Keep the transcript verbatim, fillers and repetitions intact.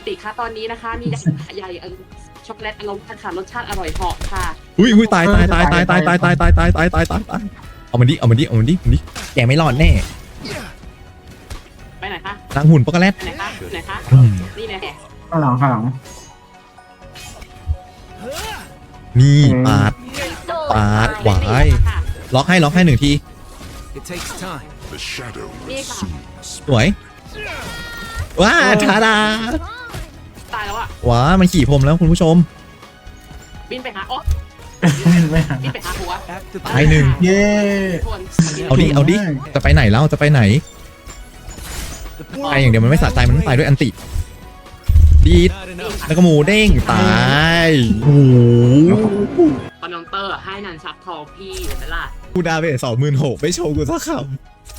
ติค่ะตอนนี้นะคะ มีใหญ่เออช็อกโกแลตอารมณ์ค่ะรสชาติอร่อยเหาะค่ะอุ้ยอุ้ยตายตายตายตายตายตายตายตายตายตายตายตายตายเอามันดิเอามันดิเอามันดิมันดิแกไม่รอดแน่ไปไหนคะนางหุ่นปกแรดไปไหนคะไหนคะอืมนี่แหละข้างหลังข้างหลังนี่ปาด ปาดหวายค่ะล็อกให้ล็อกให้หนึ่งที It takes time. The shadow will Mega. soon สวยว้าทาดาตายแล้วอ่ะว้ามันขี่ผมแล้วคุณผู้ชมบินไปหาอ๋อไม่หาบินไปหาหัว At the ตายหนึ่งเย้คนเอาดิเอาดิจะไปไหนแล้วจะไปไหน the ตายอย่างเดียวมันไม่สะใจมันต้องตายด้วยอันติดีด Not enough. แล้วก็หมูเด้งตายโอ้โหคอนนองเตอร์ให้นันชักทองพี่เห็นไหมล่ะกูดาเบสสองหมื่นหกไม่โชว์กูสักคำ